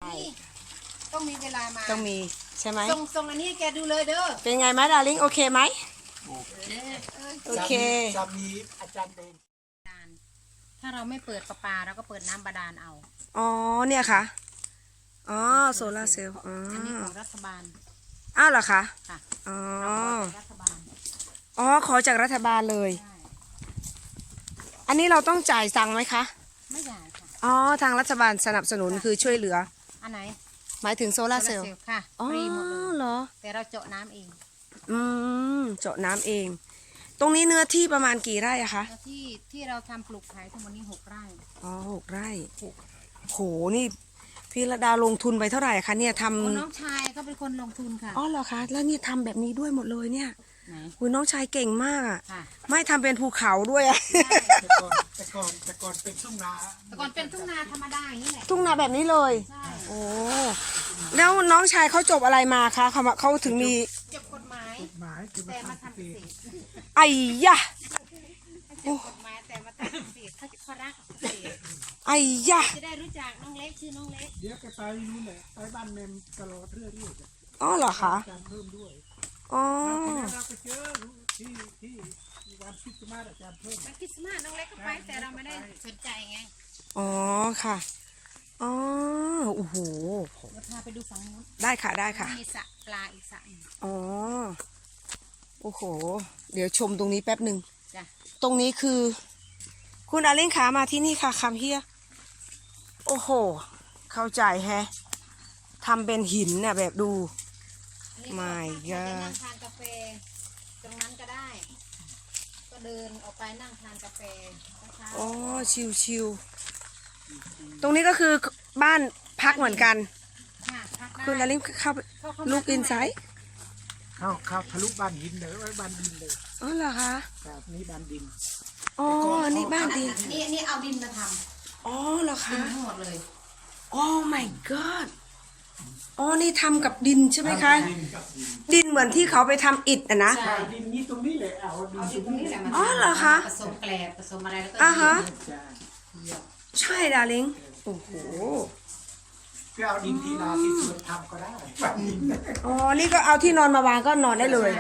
ต้องมีเวลามาต้องมีใช่ไหมส่งอันนี้ให้แกดูเลยเด้อเป็นไงไหมดาริ่งโอเคไหมโอเคจะมีอาจารย์เดงถ้าเราไม่เปิดประปาเราก็เปิดน้ำบาดาลเอาอ๋อเนี่ยค่ะอ๋อโซลาร์เซลล์อันนี้ของรัฐบาลอ้าวเหรอคะค่ะอ๋อรัฐบาลอ๋อขอจากรัฐบาลเลยอันนี้เราต้องจ่ายตังค์ไหมคะไม่จ่ายค่ะอ๋อทางรัฐบาลสนับสนุนคือช่วยเหลืออันไหนหมายถึงโซลาร์เซลล์ค่ะฟรีหมดเลยเหรอแต่เราเจาะน้ำเองเจาะน้ำเองตรงนี้เนื้อที่ประมาณกี่ไร่อะคะที่เราทำปลูกขายทั้งหมดนี้6 ไร่อ๋อ6 ไร่โหนี่พี่ระดาลงทุนไปเท่าไหร่คะเนี่ยทำน้องชายเขาเป็นคนลงทุนค่ะอ๋อเหรอคะแล้วนี่ทำแบบนี้ด้วยหมดเลยเนี่ยคุณน้องชายเก่งมากอะไม่ทำเป็นภูเขาด้วยอะแต่ก่อนเป็นทุ่งนาธรรมดาอย่างนี้แหละทุ่งนาแบบนี้เลยโอ้แล้วน้องชายเขาจบอะไรมาคะเขาถึงมีจบกฎหมายแต่มาทำเกษตรไอ้ยะจบกฎหมายแต่มาทำเกษตรเขารักเกษตรไอ้ยะจะได้รู้จักน้องเล็กชื่อน้องเล็กเดี๋ยวแกไปนู่นแหละไปบ้านเมมตลอดเรื่อยอ๋อเหรอคะเพิ่มด้วยอ๋อเราไปเจอที่วันคริสต์มาสอาจารย์เพิ่มวันคริสต์มาสน้องเล็กก็ไปแต่เราไม่ได้สนใจไงอ๋อค่ะอ๋อโอ้โหเราพาไปดูฝั่งนู้นได้ค่ะได้ค่ะมีสระปลาอีกสระอ๋อโอ้โหเดี๋ยวชมตรงนี้แป๊บหนึ่งจ้ะตรงนี้คือคุณอาเล้งขามาที่นี่ค่ะคำเฮียโอ้โหเข้าใจแฮะทำเป็นหินน่ะแบบดูไม่ก็นั่งทานกาแฟตรงนั้นก็ได้ก็เดินออกไปนั่งทานกาแฟอ๋อชิวๆตรงนี้ก็คือบ้านพักเหมือนกันคุณอาเล้งเข้าลูกอินไซด์เข้าทะลุบ้านดินเลยบ้านดินเลยอ๋อเหรอคะครับนี่บ้านดินอ๋อนี่บ้านดินนี่เอาดินมาทำอ๋อเหรอคะทั้งหมดเลยโอ้ my god อ๋อนี่ทำกับดินใช่ไหมคะดินเหมือนที่เขาไปทำอิฐอะนะดินนี้ตรงนี้เลยเอาดินตรงนี้แหละอ๋อเหรอคะผสมแกลบผสมอะไรแล้วก็อ่ะฮะใช่ดาริงโอ้โหก็เอาดินที่นาที่สวนทำก็ได้อ๋อนี่ก็เอาที่นอนมาวางก็นอนได้เลย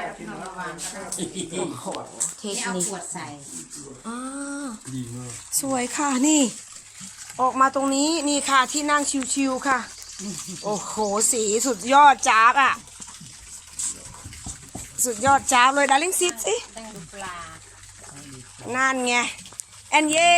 เทคนิคขวดใส่สวยค่ะนี่ออกมาตรงนี้นี่ค่ะที่นั่งชิวๆค่ะโอ้โหสีสุดยอดจ้าบอ่ะสุดยอดจ้าบเลยดาริ่งซิดสินั่นไงแอนเย่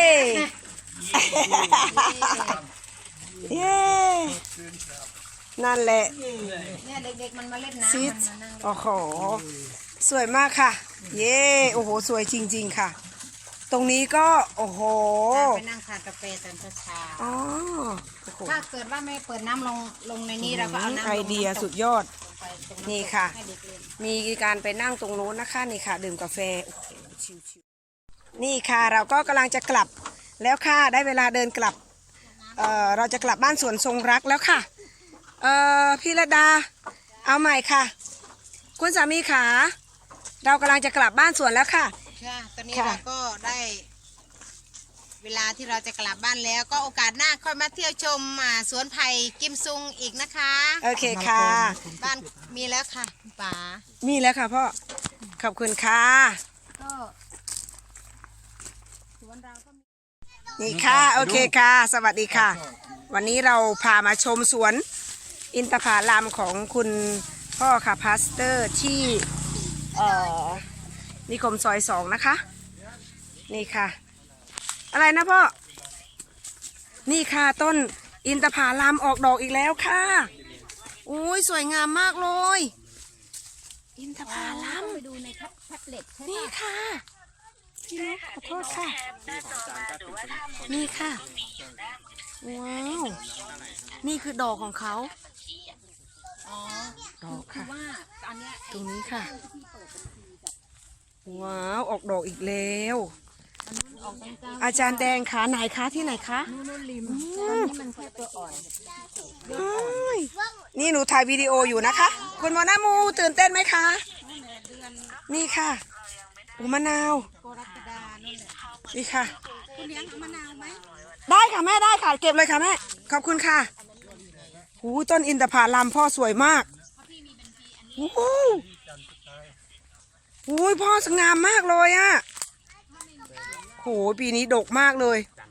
เย่นั่นแหละเนี่ยเด็กๆมันมาเล่นน้ำซิดโอ้โหสวยมากค่ะเย่โอ้โหสวยจริงๆค่ะตรงนี้ก็โอ้โหไปนั่งทานกาแฟตอนเช้าอ๋อถ้าเกิดว่าไม่เปิดน้ำลงในนี้เราก็เอาน้ำไอเดียสุดยอดนี่ค่ะมีการไปนั่งตรงโน้นนะคะนี่ค่ะดื่มกาแฟโอ้โหชิวๆนี่ค่ะเราก็กำลังจะกลับแล้วค่ะได้เวลาเดินกลับเราจะกลับบ้านสวนทรงรักแล้วค่ะพี่ระดาเอาใหม่ค่ะคุณสามีขาเรากำลังจะกลับบ้านสวนแล้วค่ะตอนนี้เราก็ได้เวลาที่เราจะกลับบ้านแล้วก็โอกาสหน้าค่อยมาเที่ยวชมสวนไผ่กิมซุงอีกนะคะโอเคค่ะบ้านมีแล้วค่ะคุณป๋ามีแล้วค่ะพ่อขอบคุณค่ะก็สวนเราก็นี่ค่ะโอเคค่ะสวัสดีค่ะวันนี้เราพามาชมสวนอินทผลัมของคุณพ่อค่ะพาสเตอร์ที่นิคมซอย2นะคะนี่ค่ะอะไรนะพ่อนี่ค่ะต้นอินทผลัมออกดอกอีกแล้วค่ะโอ้ยสวยงามมากเลยอินทผลัมไปดูในแท็บเล็ตนี่ค่ะพี่นกขอโทษค่ะนี่ค่ะว้าวนี่คือดอกของเขาดอกค่ะตรงนี้ค่ะว้าวออกดอกอีกแล้วอาจารย์แดงขาไหนคะที่ไหนคะนู่นริมตอนนี้มันแค่ตัวอ่อนนี่หนูถ่ายวิดีโออยู่นะคะคุณหมอหน้ามูตื่นเต้นไหมคะนี่ค่ะอุมะนาวนี่ค่ะคุณเลี้ยงมะนาวไหมได้ค่ะแม่ได้ค่ะเก็บเลยค่ะแม่ขอบคุณค่ะหูต้นอินทผลัมพ่อสวยมากโอ้โหโอ้ยพ่อสง่ามมากเลยอะโหปีนี้ดกมากเลย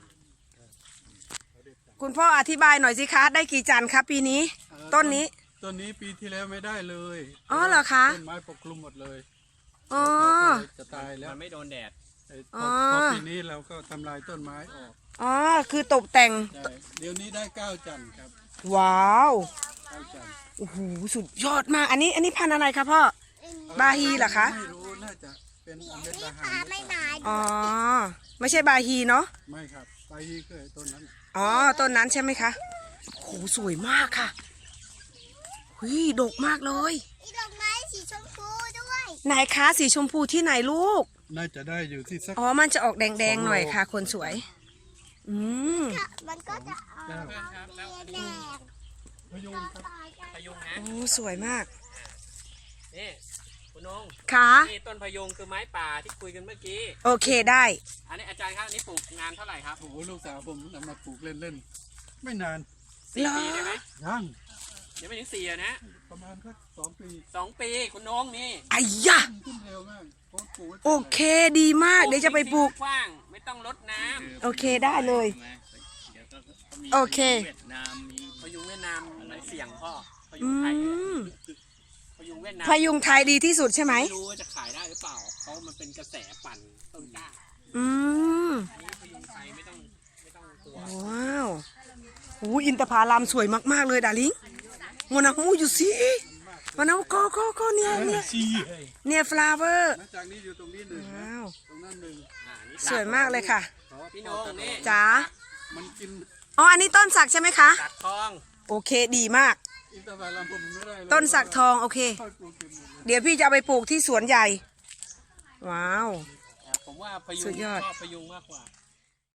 คุณพ่ออธิบายหน่อยสิคะได้กี่จันทร์ครับปีนี้ต้นนี้ต้นนี้ปีที่แล้วไม่ได้เลยอ๋อเหรอคะต้นไม้ปกคลุมหมดเลยอ๋อจะตายแล้วมันไม่โดนแดดอ๋อพอปีนี้เราก็ทำลายต้นไม้ออกอ๋อคือตกแต่งใช่เดี๋ยวนี้ได้9 จันทร์ครับว้าว 9 จันทร์โอ้โหสุดยอดมากอันนี้พันธุ์อะไรคะพ่อบาฮีเหรอคะไม่รู้น่าจะเป็นอเมริกาหารหรือเปล่าอ๋อไม่ใช่บาฮีเนาะไม่ครับไปเคยต้นนั้นอ๋อต้นนั้นใช่ไหมคะโหสวยมากค่ะหุยดกมากเลยมีดอกไม้สีชมพูด้วยไหนคะสีชมพูที่ไหนลูกน่าจะได้อยู่ที่สักอ๋อมันจะออกแดงๆหน่อยค่ะ คนสวย อืมมันก็จะออกแก้วแดงพยุงครับพยุงนะโอ้สวยมากนี่คุณนงค่ะนี่ต้นพยุงคือไม้ป่าที่คุยกันเมื่อกี้โอเคได้อันนี้อาจารย์ครับอันนี้ปลูกนานเท่าไหร่ครับโอ้โหลูกสาวผมนำมาปลูกเล่นๆไม่นาน 4 ปีได้ไหมยังยังไม่ถึง4นะประมาณสัก2 ปี 2 ปีคุณนงนี่ไอ้ยะขึ้นเร็วมากเพราะปลูกไว้โอเคดีมากเดี๋ยวจะไปปลูกกว้างไม่ต้องรดน้โอเคได้เลย โอเคำพยุงเวียดนามมันเสี่ยงพ่อพยุอืงไทยมพยุงเวียดนามพยุงไทยดีที่สุดใช่ไหมไม่รู้ว่าจะขายได้หรือเปล่าเพราะมันเป็นกระแสปั่นต้นกล้าอืมอันนี้พยุงไทยไม่ต้องกลัวว้าวโอ้อินทผลัมสวยมากๆเลยดาริงมันเอามูอยู่สิมันเอาก็เนี่ยฟลาเวอร์หลังจากนี้อยู่ตรงนี้หนึ่งนะว้าวตรงนั้นหนึ่งนี่สวยมากเลยค่ะพี่นงนี่จ๋ามันกินอ๋ออันนี้ต้นสักใช่ไหมคะตัดทองโอเคดีมากอินทผลัมผมไม่ได้เลยต้นสักทองโอเคค่อยปลูกเก็บหมดเลยเดี๋ยวพี่จะเอาไปปลูกที่สวนใหญ่ ว้าวผมว่าพยุสุงดยอดชอบพยุงมากกว่า